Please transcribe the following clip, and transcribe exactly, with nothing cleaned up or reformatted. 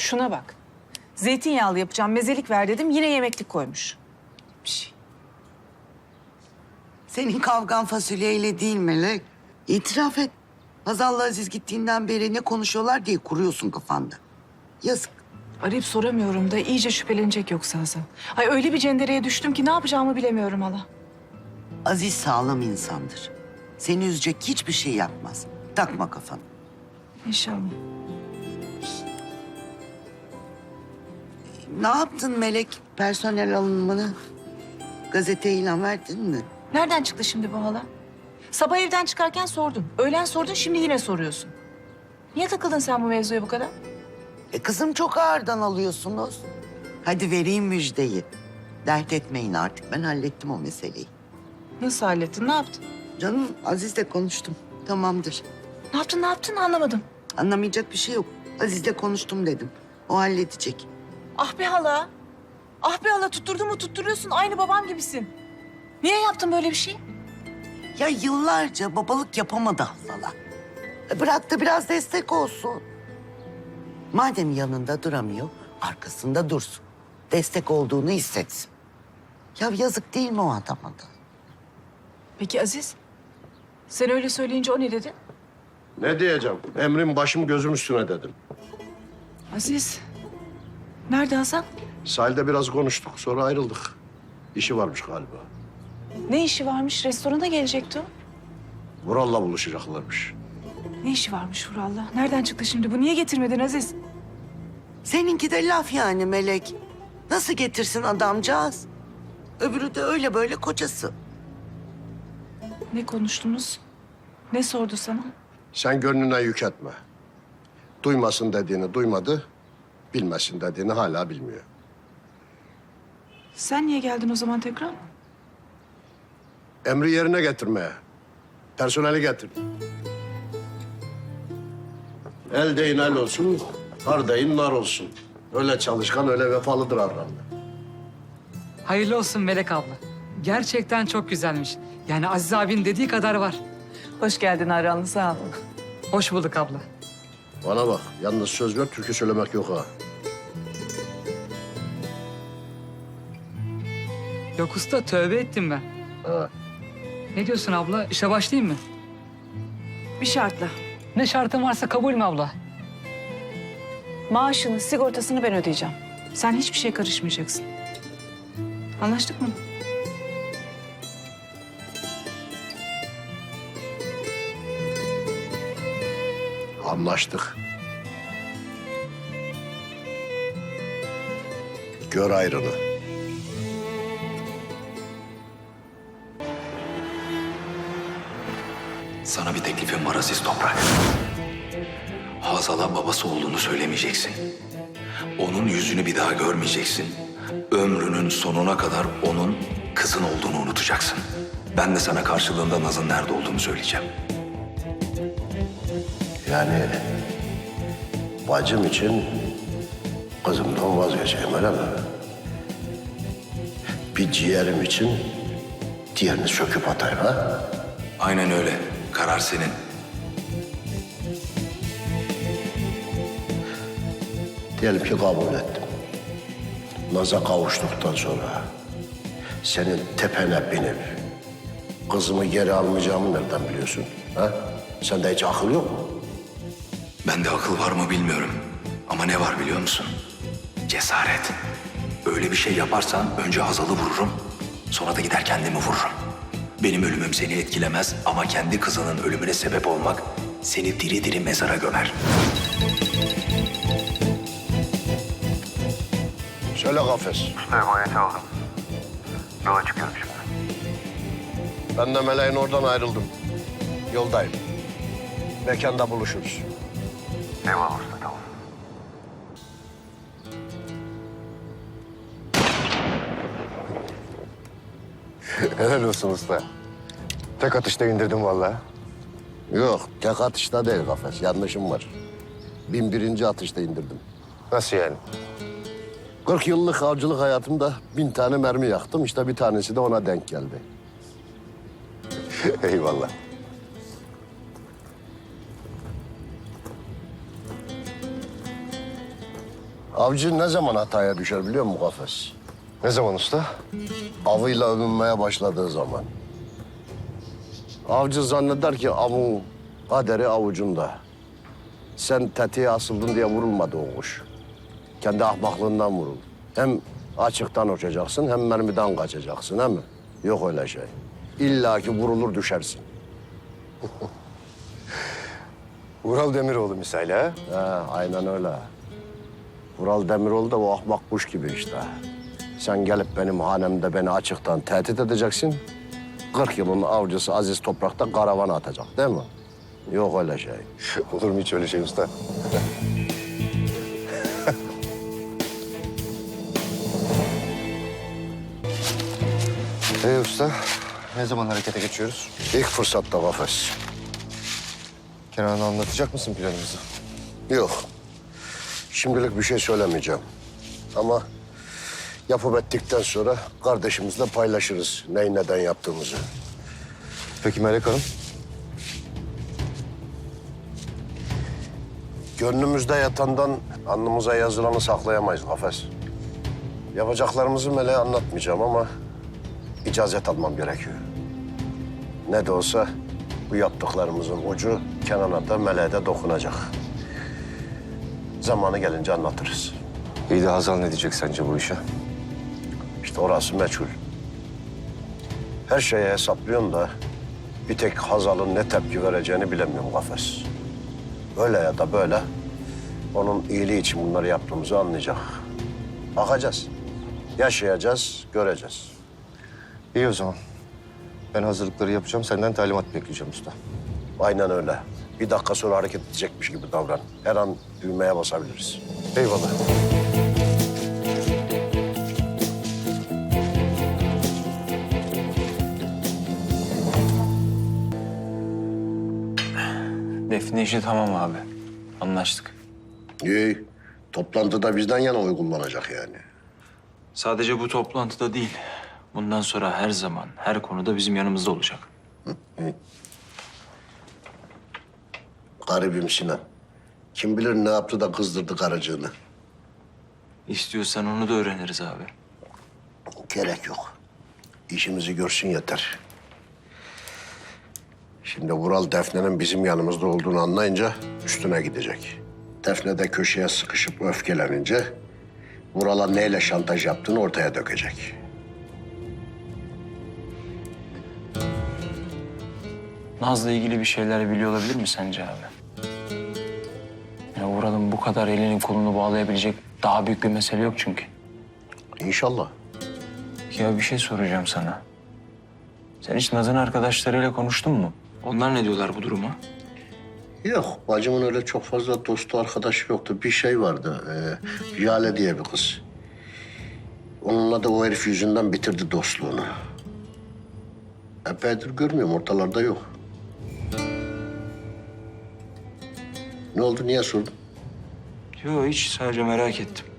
Şuna bak. Zeytinyağlı yapacağım, mezelik ver dedim. Yine yemeklik koymuş. Bir şey. Senin kavgan fasulyeyle değil Melek. İtiraf et. Hazal'la Aziz gittiğinden beri ne konuşuyorlar diye kuruyorsun kafanda. Yazık. Arayıp soramıyorum da iyice şüphelenecek yoksa Hasan. Ay öyle bir cendereye düştüm ki ne yapacağımı bilemiyorum hala. Aziz sağlam insandır. Seni üzecek hiçbir şey yapmaz. Takma kafanı. İnşallah. Ne yaptın Melek personel alınımını? Gazeteye ilan verdin mi? Nereden çıktı şimdi bu hala? Sabah evden çıkarken sordum. Öğlen sordun, şimdi yine soruyorsun. Niye takıldın sen bu mevzuya bu kadar? E kızım çok ağırdan alıyorsunuz. Hadi vereyim müjdeyi. Dert etmeyin artık. Ben hallettim o meseleyi. Nasıl hallettin, ne yaptın? Canım Aziz'le konuştum. Tamamdır. Ne yaptın, ne yaptın anlamadım. Anlamayacak bir şey yok. Aziz'le konuştum dedim. O halledecek. Ah be hala. Ah be hala, tutturdun mu tutturuyorsun. Aynı babam gibisin. Niye yaptın böyle bir şey? Ya yıllarca babalık yapamadı Hazal'a. E bırak da biraz destek olsun. Madem yanında duramıyor, arkasında dursun. Destek olduğunu hissetsin. Ya yazık değil mi o adama da? Peki Aziz? Sen öyle söyleyince o ne dedi? Ne diyeceğim? Emrin başım gözüm üstüne dedim. Aziz. Nerede Hasan? Sahilde biraz konuştuk, sonra ayrıldık. İşi varmış galiba. Ne işi varmış? Restorana gelecekti o. Vural'la buluşacaklarmış. Ne işi varmış Vural'la? Nereden çıktı şimdi bu? Niye getirmedin Aziz? Seninki de laf yani Melek. Nasıl getirsin adamcağız? Öbürü de öyle böyle kocası. Ne konuştunuz? Ne sordu sana? Sen gönlüne yük etme. Duymasın dediğini duymadı, bilmesin dediğini hala bilmiyor. Sen niye geldin o zaman tekrar? Emri yerine getirmeye. Personeli getir. El değin el olsun, har değin nar olsun. Öyle çalışkan, öyle vefalıdır Arran. Hayırlı olsun Melek abla. Gerçekten çok güzelmiş. Yani Aziz abinin dediği kadar var. Hoş geldin Aranlı, sağ ol. Hoş bulduk abla. Bana bak, yalnız söz ver, türkü söylemek yok ha. Yok usta, tövbe ettim ben. Ha. Ne diyorsun abla? İşe başlayayım mı? Bir şartla. Ne şartın varsa kabul mü abla? Maaşını, sigortasını ben ödeyeceğim. Sen hiçbir şeye karışmayacaksın. Anlaştık mı? Anlaştık. Gör ayrını. Sana bir teklifim var Aziz Toprak. Hazal'a babası olduğunu söylemeyeceksin. Onun yüzünü bir daha görmeyeceksin. Ömrünün sonuna kadar onun kızın olduğunu unutacaksın. Ben de sana karşılığında Naz'ın nerede olduğunu söyleyeceğim. Yani bacım için kızımdan vazgeçeyim öyle mi? Bir ciğerim için diğerini söküp atayım ha? Aynen öyle. Karar senin. Diyelim ki kabul ettim. Naz'a kavuştuktan sonra senin tepene binip kızımı geri almayacağımı nereden biliyorsun? Ha? Sende hiç akıl yok mu? Bende akıl var mı bilmiyorum. Ama ne var biliyor musun? Cesaret. Öyle bir şey yaparsan önce Hazal'ı vururum. Sonra da gider kendimi vururum. Benim ölümüm seni etkilemez ama kendi kızının ölümüne sebep olmak seni diri diri mezara gömer. Söyle Gafes. Emaneti aldım. Yola çıkıyorum şimdi. Ben de Meleğin oradan ayrıldım. Yoldayım. Mekanda buluşuruz. Eyvallah usta, tamam. Helal olsun usta. Tek atışta indirdim vallahi. Yok, tek atışta değil Gafes. Yanlışım var. Bin birinci atışta indirdim. Nasıl yani? kırk yıllık avcılık hayatımda bin tane mermi yaktım. İşte bir tanesi de ona denk geldi. Eyvallah. Avcı ne zaman hataya düşer biliyor musun Kafes? Ne zaman usta? Avıyla övünmeye başladığı zaman. Avcı zanneder ki avın kaderi avucunda. Sen tetiğe asıldın diye vurulmadı o kuş. Kendi ahmaklığından vurul. Hem açıktan uçacaksın hem mermiden kaçacaksın, değil mi? Yok öyle şey. İlla ki vurulur düşersin. Ural Demiroğlu misali ha? He, aynen öyle. Vural Demiroğlu da o ahmak kuş gibi işte. Sen gelip benim hanemde beni açıktan tehdit edeceksin. Kırk yılın avcısı Aziz Toprak'ta karavana atacak, değil mi? Yok öyle şey. Olur mu hiç öyle şey usta? Ee usta, ne zaman harekete geçiyoruz? İlk fırsatta Kafes. Kenan'a anlatacak mısın planımızı? Yok. Şimdilik bir şey söylemeyeceğim. Ama yapıp ettikten sonra kardeşimizle paylaşırız neyi neden yaptığımızı. Peki Melek Hanım? Gönlümüzde yatandan alnımıza yazılanı saklayamayız Kafes. Yapacaklarımızı Meleğe anlatmayacağım ama icazet almam gerekiyor. Ne de olsa bu yaptıklarımızın ucu Kenan'a da Meleğe de dokunacak. Zamanı gelince anlatırız. İyi de Hazal ne diyecek sence bu işe? İşte orası meçhul. Her şeye hesaplıyorsun da bir tek Hazal'ın ne tepki vereceğini bilemiyorum Kafes. Öyle ya da böyle onun iyiliği için bunları yaptığımızı anlayacak. Bakacağız. Yaşayacağız, göreceğiz. İyi o zaman. Ben hazırlıkları yapacağım, senden talimat bekleyeceğim usta. Aynen öyle. Bir dakika sonra hareket edecekmiş gibi davran. Her an düğmeye basabiliriz. Eyvallah. Defne işi tamam abi. Anlaştık. İyi. Toplantıda bizden yana oy kullanacak yani. Sadece bu toplantıda değil. Bundan sonra her zaman, her konuda bizim yanımızda olacak. Garibim Sinan. Kim bilir ne yaptı da kızdırdı karıcığını. İstiyorsan onu da öğreniriz abi. Gerek yok. İşimizi görsün yeter. Şimdi Vural Defne'nin bizim yanımızda olduğunu anlayınca üstüne gidecek. Defne de köşeye sıkışıp öfkelenince Vural'a neyle şantaj yaptığını ortaya dökecek. Naz'la ilgili bir şeyler biliyor olabilir mi sence abi? Ya Vural'ın bu kadar elini kolunu bağlayabilecek daha büyük bir mesele yok çünkü. İnşallah. Ya bir şey soracağım sana. Sen hiç Naz'ın arkadaşlarıyla konuştun mu? Onlar ne diyorlar bu duruma? Yok, bacımın öyle çok fazla dostu, arkadaşı yoktu. Bir şey vardı, ee, Jale diye bir kız. Onunla da o herif yüzünden bitirdi dostluğunu. Epeydir görmüyorum, ortalarda yok. Ne oldu, niye sordun? Yok hiç sadece merak ettim.